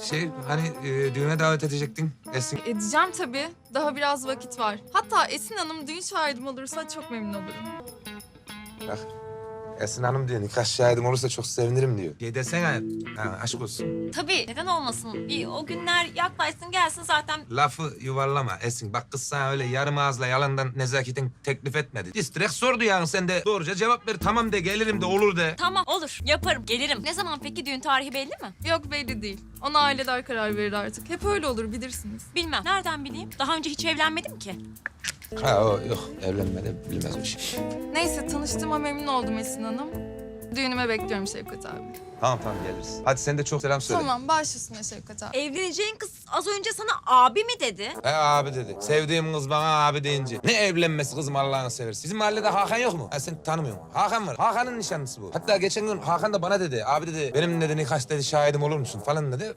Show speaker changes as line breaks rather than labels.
Hani düğüne davet edecektin Esin.
Edeceğim tabii. Daha biraz vakit var. Hatta Esin Hanım düğün şahidim olursa çok memnun olurum.
Bak Esin Hanım diyor nikah şahidim olursa çok sevinirim diyor. Desene aşk olsun.
Tabii, neden olmasın? Bir o günler yaklaşsın gelsin zaten.
Lafı yuvarlama Esin. Bak kız sana öyle yarım ağızla yalandan nezaketen teklif etmedi. Direkt sordu yani sen de doğruca cevap ver. Tamam de gelirim de olur de.
Tamam, olur, yaparım, gelirim. Ne zaman peki, düğün tarihi belli mi?
Yok belli değil. Ona aileler karar verir artık. Hep öyle olur bilirsiniz.
Bilmem, nereden bileyim? Daha önce hiç evlenmedim ki.
Ha o yok evlenmedi bilmez o şey.
Neyse tanıştığıma memnun oldum Esin Hanım. Düğünüme bekliyorum Şevkat abi.
Tamam geliriz. Hadi sen de çok selam söyle.
Tamam baş üstüne Şevkat abi.
Evleneceğin kız az önce sana abi mi dedi?
Abi dedi. Sevdiğim kız bana abi deyince. Ne evlenmesi kızım Allah'ını seversen. Bizim mahallede Hakan yok mu? Sen tanımıyorsun. Hakan var. Hakan'ın nişanlısı bu. Hatta geçen gün Hakan da bana dedi. Abi dedi benim dedi nikah dedi şahidim olur musun falan dedi.